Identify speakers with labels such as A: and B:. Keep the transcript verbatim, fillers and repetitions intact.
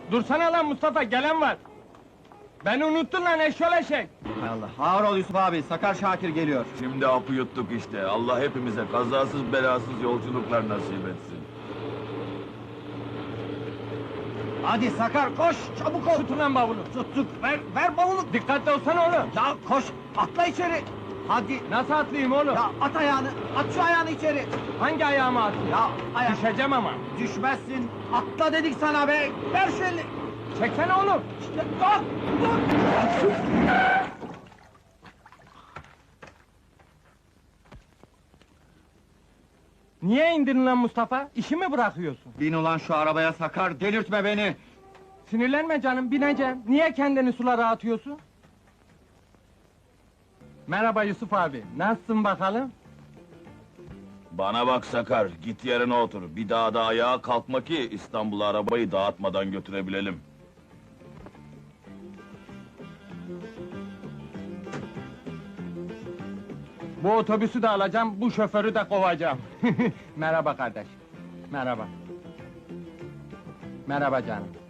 A: Dursana lan Mustafa, gelen var! Beni unuttun lan eşşol eşek!
B: Hay Allah, ağır ol Yusuf abi, Sakar Şakir geliyor.
C: Şimdi hapı yuttuk işte. Allah hepimize kazasız belasız yolculuklar nasip etsin.
B: Hadi Sakar, koş, çabuk ol!
A: Tutun lan bavulu!
B: Tuttuk, ver, ver bavulu!
A: Dikkatli olsana oğlum!
B: Ya koş, atla içeri! Hadi!
A: Nasıl atlayayım oğlum?
B: Ya at ayağını, at şu ayağını içeri!
A: Hangi ayağıma atayım?
B: Ya ayak...
A: Düşeceğim ama!
B: Düşmezsin, atla dedik sana be! Ver şu elini!
A: Çeksene oğlum!
B: İşte, dur, dur!
A: Niye indirin lan Mustafa? İşi mi bırakıyorsun?
B: Bin ulan şu arabaya Sakar, delirtme beni!
A: Sinirlenme canım, bineceğim. Niye kendini sulara atıyorsun? Merhaba Yusuf abi, nasılsın bakalım?
C: Bana bak Sakar, git yerine otur. Bir daha da ayağa kalkma ki İstanbul'a arabayı dağıtmadan götürebilelim.
A: Bu otobüsü de alacağım, bu şoförü de kovacağım. Merhaba kardeş. Merhaba. Merhaba canım.